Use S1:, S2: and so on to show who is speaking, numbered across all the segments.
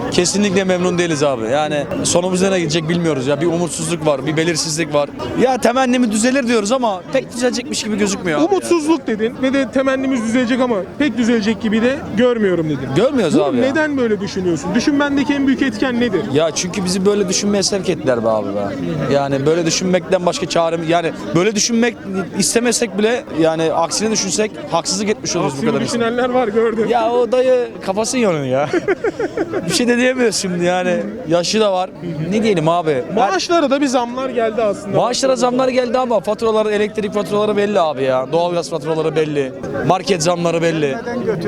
S1: Kesinlikle memnun değiliz abi. Yani sonumuz nereye gidecek bilmiyoruz ya. Bir umutsuzluk var, bir belirsizlik var. Ya temennimiz düzelir diyoruz ama pek düzelecekmiş gibi gözükmüyor abi ya.
S2: Umutsuzluk dedin ve de temennimiz düzelecek ama pek düzelecek gibi de görmüyorum dedin.
S1: Görmüyoruz
S2: Bunu
S1: abi ya.
S2: neden böyle düşünüyorsun? Düşünmendeki en büyük etken nedir?
S1: Ya çünkü bizi böyle düşünmeye sevk ettiler be abi be. Yani böyle düşünmekten başka çaremiz, yani böyle düşünmek istemesek bile, yani aksine düşünsek haksızlık etmiş oluruz bu
S2: Aksini
S1: kadar insan.
S2: düşünenler var, gördüm.
S1: Ya o dayı kafası yanıyor ya. Bir şey de diyemiyoruz şimdi yani. Yaşı da var. Ne diyelim abi?
S2: Maaşlara da bir zamlar geldi aslında.
S1: Maaşlara zamlar geldi ama faturaları, elektrik faturaları belli abi ya. Doğalgaz faturaları belli. Market zamları belli.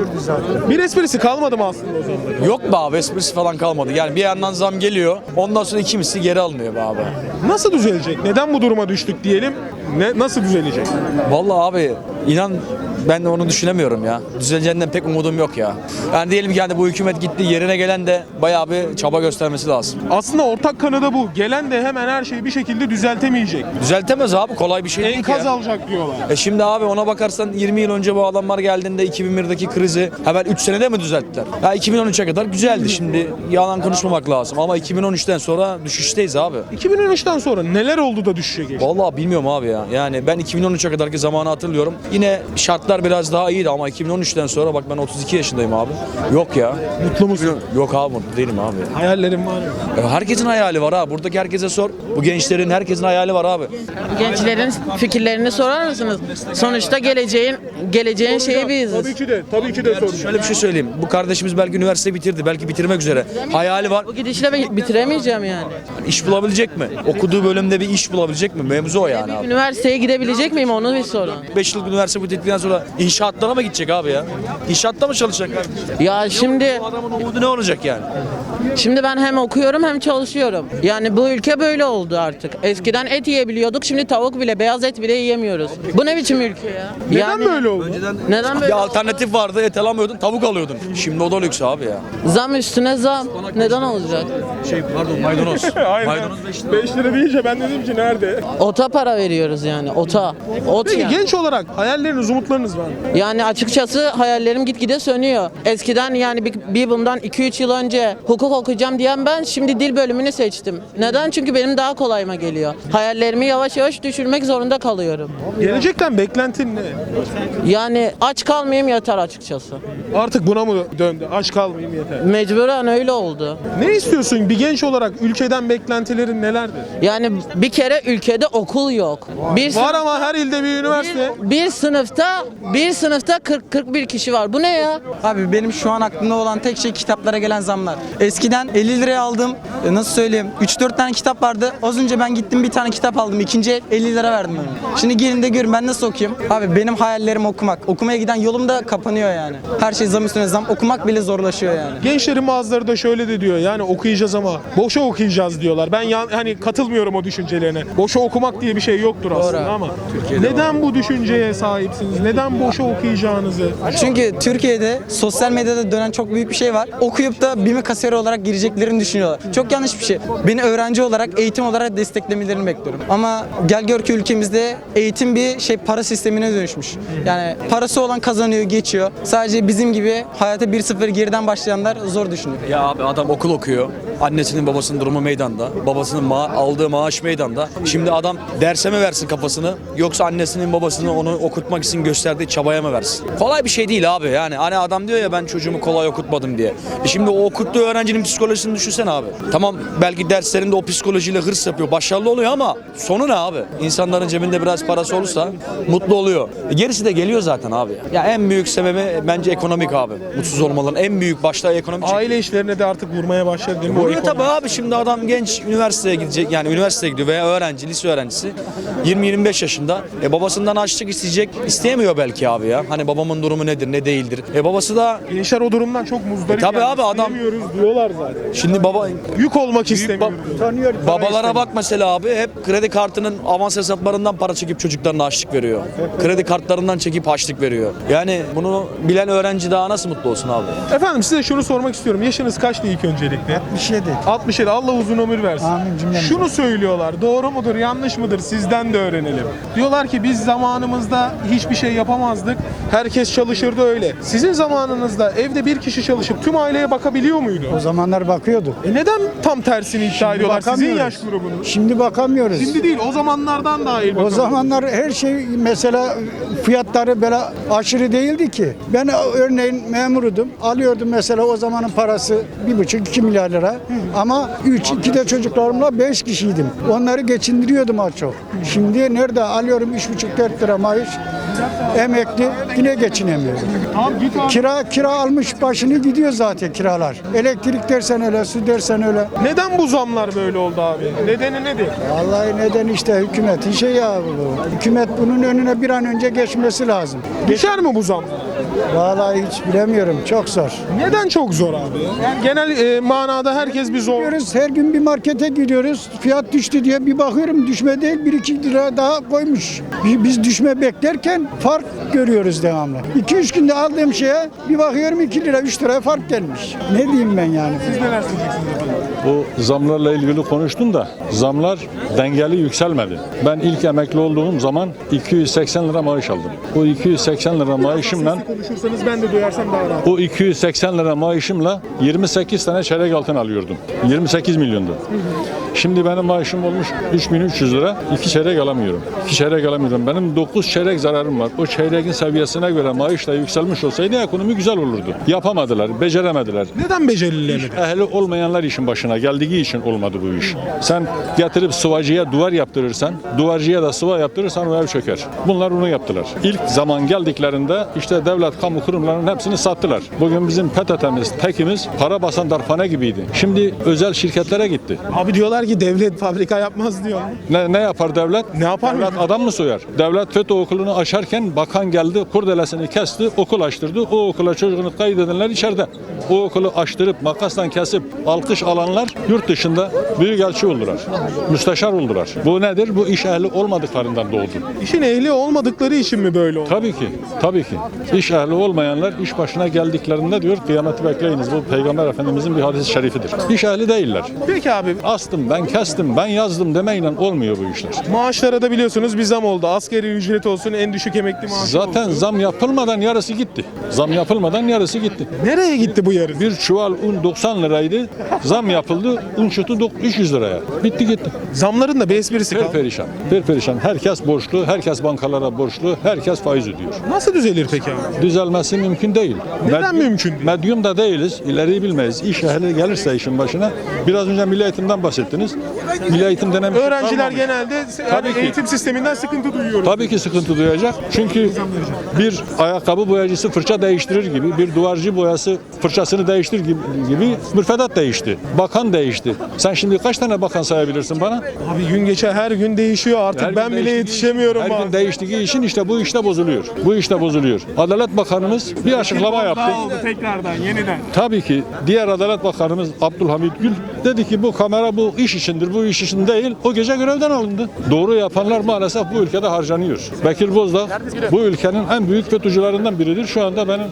S2: Bir esprisi kalmadı mı aslında o zamların?
S1: Yok be abi, esprisi falan kalmadı. Yani bir yandan zam geliyor. Ondan sonra iki misli geri alınıyor be abi.
S2: Nasıl düzelecek? Neden bu duruma düştük diyelim? Nasıl düzelecek?
S1: Vallahi abi inan ben de onu düşünemiyorum ya. Düzeleceğinden pek umudum yok ya. Yani diyelim ki yani bu hükümet gitti, yerine gelen de bayağı bir çaba göstermesi lazım.
S2: Aslında ortak kanı da bu. Gelen de hemen her şeyi bir şekilde düzeltemeyecek.
S1: Düzeltemez abi, kolay bir şey değil ki
S2: Enkaz
S1: ya.
S2: alacak diyorlar.
S1: Şimdi abi ona bakarsan 20 yıl önce bu adamlar geldiğinde 2001'deki krizi hemen 3 senede mi düzelttiler? Ya 2013'e kadar güzeldi, şimdi yalan konuşmamak lazım ama 2013'ten sonra düşüşteyiz abi.
S2: 2013'ten sonra neler oldu da düşüşe geçti?
S1: Vallahi bilmiyorum abi ya. Yani ben 2013'e kadarki zamanı hatırlıyorum. Yine şartlar biraz daha iyiydi ama 2013'ten sonra bak ben 32 yaşındayım abi. Yok ya.
S2: Mutlu musun?
S1: Yok abi, mutlu değilim abi.
S2: Hayallerim var mı?
S1: Herkesin hayali var ha. Buradaki herkese sor. Bu gençlerin herkesin hayali var abi.
S3: Gençlerin fikirlerini sorar mısınız? Sonuçta geleceğin şeyi biziz.
S2: Tabii ki de soracağım.
S1: Şöyle bir şey söyleyeyim. Bu kardeşimiz belki üniversite bitirdi. Belki bitirmek üzere. Hayali var.
S3: Bu gidişle bitiremeyeceğim yani.
S1: İş bulabilecek mi? Okuduğu bölümde bir iş bulabilecek mi? Mevzu o yani abi.
S3: Üniversiteye gidebilecek miyim, onu bir sorun.
S1: 5 yıllık üniversite bitirdikten sonra inşaatlara mı gidecek abi ya? İnşaatta mı çalışacak?
S3: Ya şimdi
S1: Bu adamın umudu ne olacak yani?
S3: ben hem okuyorum hem çalışıyorum. Yani bu ülke böyle oldu artık. Eskiden et yiyebiliyorduk, şimdi tavuk bile, beyaz et bile yiyemiyoruz. Bu ne biçim ülke ya?
S2: Neden böyle oldu?
S3: Neden
S1: Bir
S3: böyle?
S1: alternatif vardı, et alamıyordun, tavuk alıyordun. Şimdi o da lüks abi ya.
S3: Zam üstüne zam. Neden olacak?
S1: Pardon, maydanoz.
S2: Aynen.
S1: Maydanoz 5 lira.
S2: 5 lira deyince ben dedim ki nerede?
S3: Ota para veriyoruz yani, ota. Ot
S2: Peki
S3: yani.
S2: genç olarak hayalleriniz, umutlarınız var mı?
S3: Yani açıkçası hayallerim gitgide sönüyor. Eskiden yani bundan 2-3 yıl önce hukuk okuyacağım diyen ben şimdi dil bölümünü seçtim. Neden? Çünkü benim daha kolayıma geliyor. Hayallerimi yavaş yavaş düşürmek zorunda kalıyorum.
S2: Gelecekten beklentin ne?
S3: Yani aç kalmayayım yeter açıkçası.
S2: Artık buna mı döndü? Aç kalmayayım yeter.
S3: Mecburen öyle oldu.
S2: Ne istiyorsun bir genç olarak, ülkeden beklentilerin nelerdir?
S3: Yani bir kere ülkede okul yok.
S2: Var ama her ilde bir üniversite.
S3: Bir sınıfta 40-41 kişi var. Bu ne ya?
S4: Abi benim şu an aklımda olan tek şey kitaplara gelen zamlar. Eskiden 50 liraya aldım. Nasıl söyleyeyim? 3-4 tane kitap vardı. Az önce ben gittim bir tane kitap aldım. İkinci el 50 lira verdim onu. Şimdi gelin de görün ben nasıl okuyayım? Abi benim hayallerim okumak. Okumaya giden yolum da kapanıyor yani. Her şey zam üstüne zam. Okumak bile zorlaşıyor yani.
S2: Gençlerin bazıları da şöyle de diyor, yani okuyacağız ama boşa okuyacağız diyorlar. Ben hani katılmıyorum o düşüncelerine. Boşa okumak diye bir şey yoktur aslında ama neden bu düşünceye sahipsiniz? Neden boşa okuyacağınızı?
S4: Çünkü Türkiye'de sosyal medyada dönen çok büyük bir şey var. Okuyup da BİM'e kasiyer olarak gireceklerini düşünüyorlar. Çok yanlış bir şey. Beni öğrenci olarak, eğitim olarak desteklemelerini bekliyorum. Ama gel gör ki ülkemizde eğitim bir para sistemine dönüşmüş. Yani parası olan kazanıyor, geçiyor. Sadece bizim gibi hayata 1-0 geriden başlayanlar zor düşünüyor.
S1: Ya abi adam okul okuyor. Annesinin babasının durumu meydanda. Babasının aldığı maaş meydanda. Şimdi adam derse mi versin kafasını, yoksa annesinin babasını onu okutmak için gösterdiği çabaya mı versin? Kolay bir şey değil abi. Yani hani adam diyor ya ben çocuğumu kolay okutmadım diye. Şimdi o okuttuğu öğrencinin psikolojisini düşünsene abi. Tamam belki derslerinde o psikolojiyle hırs yapıyor. Başarılı oluyor ama sonu ne abi? İnsanların cebinde biraz parası olursa mutlu oluyor. Gerisi de geliyor zaten abi. Ya en büyük sebebi bence ekonomik abi. Mutsuz olmaların en büyük başta ekonomik.
S2: Aile işlerine de artık vurmaya başladı değil mi? O
S1: Vuruyor
S2: ekonomi?
S1: tabii abi, şimdi adam genç üniversiteye gidecek, yani üniversiteye gidiyor veya öğrenci, lise öğrencisi 20-25 yaşında. Babasından harçlık isteyecek, isteyemiyor belki abi ya. Hani babamın durumu nedir, ne değildir. Babası da
S2: Gençler o durumdan çok muzdarip.
S1: tabii
S2: yani.
S1: abi adam-
S2: İstemiyoruz diyorlar zaten.
S1: şimdi
S2: Yük olmak istemiyor.
S1: babalara bak mesela abi, hep kredi kartının avans hesaplarından para çekip çocuklarına harçlık veriyor. Kredi kartlarından çekip harçlık veriyor. Yani bunu bilen öğrenci daha nasıl mutlu olsun abi?
S2: Efendim size şunu sormak istiyorum. Yaşınız kaçtı ilk öncelikle?
S4: 67.
S2: 67. Allah uzun ömür versin.
S4: Amin cümlemize.
S2: Şunu söylüyorlar. Doğru mudur, yanlış mıdır? Sizden de öğrenelim. Diyorlar ki biz zamanımızda hiçbir şey yapamadık. yapamazdık. Herkes çalışırdı öyle. Sizin zamanınızda evde bir kişi çalışıp tüm aileye bakabiliyor muydu?
S5: O zamanlar bakıyordu.
S2: Neden tam tersini iddia ediyorlar sizin
S5: bakamıyoruz.
S2: yaş grubunun?
S5: Şimdi bakamıyoruz.
S2: Şimdi değil, o zamanlardan dahil
S5: O
S2: bakalım.
S5: zamanlar her şey mesela fiyatları böyle aşırı değildi ki. Ben örneğin memurudum. Alıyordum mesela o zamanın parası 1,5-2 milyar lira. Ama 2 de çocuklarımla 5 kişiydim. Onları geçindiriyordum az çok. Şimdi nerede alıyorum 3,5-4 lira maaş. Emekli yine geçinemiyorum.
S2: Tamam git abi.
S5: Kira almış başını gidiyor zaten kiralar. Elektrik dersen öyle, su dersen öyle.
S2: Neden bu zamlar böyle oldu abi? Nedeni nedir?
S5: Vallahi neden işte hükümetin şey ya bu. Hükümet bunun önüne bir an önce geçmesi lazım.
S2: Geçer mi bu zam?
S5: Vallahi hiç bilemiyorum. Çok zor.
S2: Neden çok zor abi? Yani genel manada herkes bir zor.
S5: Gidiyoruz, her gün bir markete gidiyoruz. Fiyat düştü diye bir bakıyorum düşme değil 1-2 lira daha koymuş. Biz düşme beklerken fark görüyoruz devamlı. 2-3 günde aldığım şeye bir bakıyorum 2 lira 3 liraya fark gelmiş. Ne diyeyim ben yani?
S2: Siz neler söyleyeceksiniz efendim?
S6: Bu zamlarla ilgili konuştum da zamlar dengeli yükselmedi. Ben ilk emekli olduğum zaman 280 lira maaş aldım. O 280 lira maaşımla
S2: Konuşursanız ben de duyarsam daha rahat.
S6: o 280 lira maaşımla 28 tane çeyrek altın alıyordum. 28 milyondu. Şimdi benim maaşım olmuş 3.300 lira. 2 çeyrek alamıyorum. 2 çeyrek alamıyorum. Benim 9 çeyrek zararım var. O çeyreğin seviyesine göre maaş da yükselmiş olsaydı ekonomi güzel olurdu. Yapamadılar, beceremediler.
S2: Neden becerilemedi?
S6: Ehli olmayanlar işin başına geldiği için olmadı bu iş. Sen getirip sıvacıya duvar yaptırırsan, duvarcıya da sıva yaptırırsan o ev çöker. Bunlar onu yaptılar. İlk zaman geldiklerinde işte devlet kamu kurumlarının hepsini sattılar. Bugün bizim PTT'miz, TEK'imiz para basan darphane gibiydi. Şimdi özel şirketlere gitti.
S2: Abi diyorlar ki devlet fabrika yapmaz diyor.
S6: Ne yapar devlet?
S2: Ne yapar
S6: Devlet
S2: mı?
S6: adam mı soyar? Devlet FETÖ okulunu açarken bakan geldi, kurdelesini kesti, okul açtırdı. O okula çocuğunu kaydedenler içeride. O okulu açtırıp makasla kesip alkış alanlar yurt dışında büyükelçi oldular. Müsteşar oldular. Bu nedir? Bu iş ehli olmadıklarından doğdu.
S2: İşin ehli olmadıkları için mi böyle oldu?
S6: Tabii ki, tabii ki. İş ehli olmayanlar iş başına geldiklerinde diyor kıyameti bekleyiniz. Bu Peygamber Efendimizin bir hadis-i şerifidir. İş ehli değiller.
S2: Peki abi
S6: Astım, ben kestim, ben yazdım demeyle olmuyor bu işler.
S2: maaşlara da biliyorsunuz bir zam oldu. Asgari ücret olsun, en düşük emekli maaşı
S6: Zaten
S2: olsun.
S6: zam yapılmadan yarısı gitti. Zam yapılmadan yarısı gitti.
S2: Nereye gitti bu yarın?
S6: Bir çuval un 90 liraydı. Zam yapıldı. Un çıktı 300 liraya. Bitti gitti.
S2: Zamların da bir esprisi kaldı.
S6: Perperişan. Perperişan. Herkes borçlu. Herkes bankalara borçlu. Herkes faiz ödüyor.
S2: Nasıl düzelir peki abi?
S6: Düzelmesi mümkün değil.
S2: Neden mümkün değil?
S6: Medyum da değiliz. İleriyi bilmeyiz. İş ehli gelirse işin başına. Biraz önce milli eğitimden bahsettiniz. Milli eğitim denen bir şey
S2: Öğrenciler
S6: kalmamış.
S2: genelde
S6: Tabii ki.
S2: eğitim sisteminden sıkıntı duyuyoruz.
S6: Tabii ki sıkıntı duyacak. Çünkü bir ayakkabı boyacısı fırça değiştirir gibi, bir duvarcı boyası fırçasını değiştirir gibi müfredat değişti. Bakan değişti. Sen şimdi kaç tane bakan sayabilirsin bana?
S2: Abi gün geçer her gün değişiyor artık
S6: Her
S2: ben
S6: gün
S2: bile
S6: değiştiği-
S2: yetişemiyorum.
S6: Her gün
S2: bazen.
S6: değiştiği için işte bu işte bozuluyor. Bu işte bozuluyor. Adalet Bakanımız bir açıklama yaptı.
S2: Daha oldu tekrardan yeniden.
S6: Tabii ki diğer Adalet Bakanımız Abdülhamit Gül dedi ki bu kamera bu iş içindir, bu iş için değil. O gece görevden alındı. Doğru yapanlar maalesef bu ülkede harcanıyor. Bekir Bozdağ bu ülkenin en büyük FETÖ'cülerinden biridir. Şu anda benim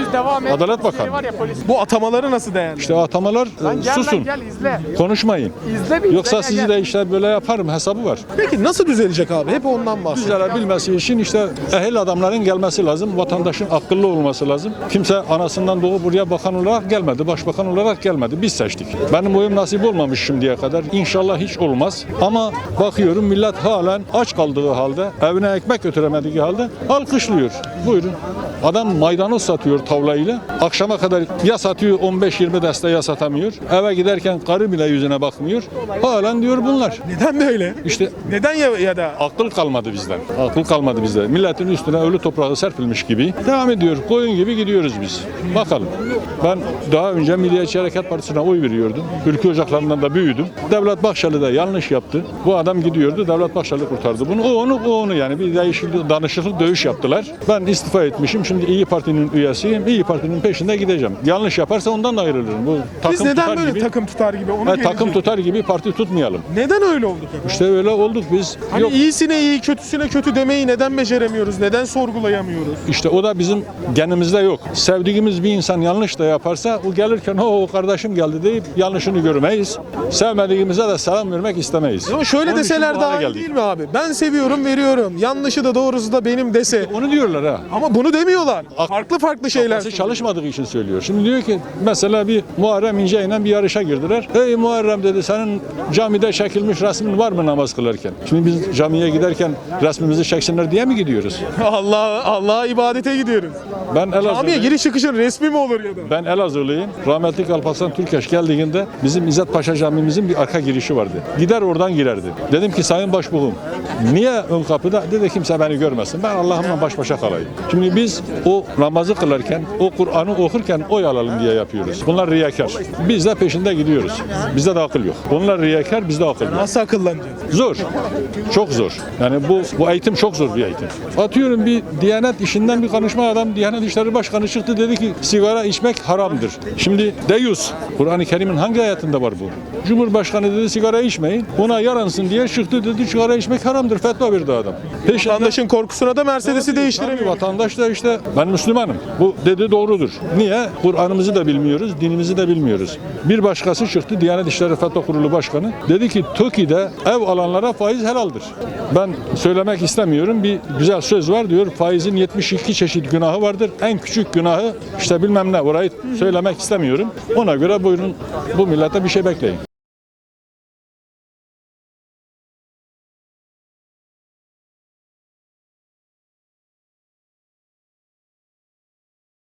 S6: Adalet Bakanı.
S2: Bu atamaları nasıl değerli?
S6: İşte atamalar susun. Konuşmayın. Yoksa sizi de işte böyle yaparım hesabı var.
S2: Peki nasıl düzelecek abi? Hep ondan bahsediyor.
S6: Düzelebilmesi için işte ehil adamların gelmesi lazım. Vatandaşın akıllı olması lazım. Kimse anasından doğup buraya bakan olarak gelmedi. Başbakan olarak gelmedi. Biz seçtik. Benim oyum nasip olmamış şimdiye kadar. İnşallah hiç olmaz. Ama bakıyorum millet halen aç kaldığı halde, evine ekmek götüremediği halde alkışlıyor. Buyurun. Adam maydanoz satıyor tavlayla. Akşama kadar ya satıyor 15-20 deste ya satamıyor. Eve giderken karı bile yüzüne bakmıyor. Halen diyor bunlar.
S2: Neden böyle?
S6: İşte
S2: Neden ya da
S6: akıl kalmadı bizden. Akıl kalmadı bizde. Milletin üstüne ölü toprağı serpilmiş gibi devam ediyor. Koyun gibi gidiyoruz biz. Bakalım. Ben daha önce Milliyetçi Hareket Partisi'ne oy veriyordum. Ülke ocaklarından da büyüdüm. Devlet Bahçeli de yanlış yaptı. Bu adam gidiyordu. Devlet Bahçeli kurtardı bunu. O onu yani bir değişiklik, danışıklı dövüş yaptılar. Ben istifa etmişim. Şimdi İyi Parti'nin üyesiyim. İyi Parti'nin peşinde gideceğim. Yanlış yaparsa ondan da ayrılırım. Bu takım
S2: biz neden
S6: tutar
S2: böyle
S6: gibi,
S2: takım tutar gibi onu
S6: takım
S2: gelecek.
S6: tutar gibi parti tutmayalım.
S2: Neden öyle olduk?
S6: İşte öyle olduk biz.
S2: Hani
S6: Yok.
S2: iyisine iyi, kötüsüne kötü demeyi neden beceremiyoruz? Neden sorgulayamıyoruz?
S6: İşte o da bizi bizim genimizde yok. Sevdiğimiz bir insan yanlış da yaparsa o gelirken o kardeşim geldi deyip yanlışını görmeyiz. Sevmediğimize de selam vermek istemeyiz.
S2: Ama şöyle
S6: Onun için
S2: deseler
S6: bu hale
S2: daha iyi
S6: geldik.
S2: değil mi abi? Ben seviyorum, veriyorum. Yanlışı da doğrusu da benim dese.
S6: Onu diyorlar ha.
S2: Ama bunu demiyorlar. Farklı şeyler.
S6: Kafası çalışmadığı için söylüyor. Şimdi diyor ki mesela bir Muharrem İnce ile bir yarışa girdiler. Ey Muharrem dedi, senin camide çekilmiş resmin var mı namaz kılarken? Şimdi biz camiye giderken resmimizi çeksinler diye mi gidiyoruz?
S2: Allah'a ibadete gidiyoruz.
S6: Ben
S2: Camiye
S6: Elazığlıyım.
S2: giriş çıkışın resmi mi olur ya da?
S6: Ben Elazığlıyım. Rahmetli Alparslan Türkeş geldiğinde bizim İzzet Paşa Camimizin bir arka girişi vardı. Gider oradan girerdi. Dedim ki Sayın Başbuğum, niye ön kapıda? Dedi kimse beni görmesin. Ben Allah'ımla baş başa kalayım. Şimdi biz o namazı kılarken, o Kur'an'ı okurken oy alalım diye yapıyoruz. Bunlar riyakar. Biz de peşinde gidiyoruz. Bizde de akıl yok. Onlar riyakar, bizde akıl yok.
S2: Nasıl akıllanacağız?
S6: Zor. Çok zor. Yani bu eğitim çok zor bir eğitim. Atıyorum bir Diyanet işinden bir konuşma adam Diyanet İşleri Başkanı çıktı dedi ki sigara içmek haramdır. Şimdi deyus. Kur'an-ı Kerim'in hangi ayetinde var bu? Cumhurbaşkanı dedi sigara içmeyin. Ona yaransın diye çıktı dedi sigara içmek haramdır. Fetva verdi adam.
S2: Vatandaşın korkusuna da Mercedes'i değiştiremiyor.
S6: Vatandaş da işte ben Müslümanım. Bu dedi doğrudur. Niye? Kur'an'ımızı da bilmiyoruz, dinimizi de bilmiyoruz. Bir başkası çıktı Diyanet İşleri Fetva Kurulu Başkanı. Dedi ki TOKİ'de ev alanlara faiz helaldir. Ben söylemek istemiyorum. Bir güzel söz var diyor. Faizin 72 çeşit günahı vardır. En küçük günahı işte bilmem ne. Orayı söylemek istemiyorum. Ona göre buyurun bu millete bir şey bekleyin.